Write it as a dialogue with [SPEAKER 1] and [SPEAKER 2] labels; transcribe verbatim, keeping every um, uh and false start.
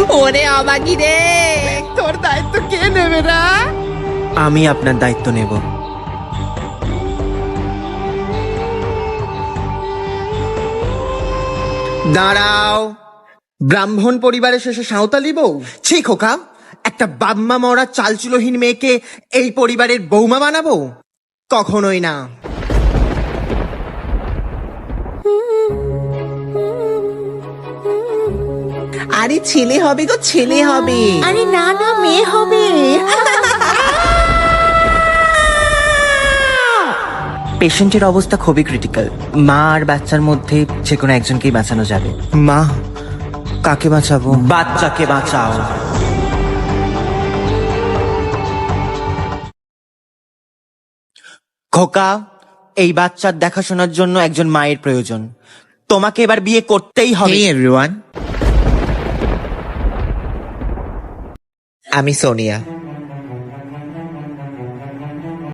[SPEAKER 1] ওরে অবাগি রে, তোর দায়িত্ব কে নেবে না?
[SPEAKER 2] আমি আপনার দায়িত্ব নেব। দাঁড়াও, ব্রাহ্মণ পরিবারের শেষে সাঁওতালি বউ? ছি খোকা, একটা বাম্মা মরা চালচুলোহীন মেয়েকে এই পরিবারের বৌমা বানাবো? কখনোই না।
[SPEAKER 1] আরে ছেলে হবে গো, ছেলে হবে।
[SPEAKER 3] আরে না না, মেয়ে হবে।
[SPEAKER 2] পেশেন্টের অবস্থা খুবই ক্রিটিক্যাল। মা আর বাচ্চার মধ্যে যে কোনো একজনকেই বাঁচানো যাবে। মা, কাকে বাঁচাবো? বাচ্চাকে বাঁচাও। খোকা, এই বাচ্চার দেখাশোনার জন্য একজন মায়ের প্রয়োজন। তোমাকে এবার বিয়ে করতেই হবে।
[SPEAKER 4] Hey everyone, আমি সোনিয়া।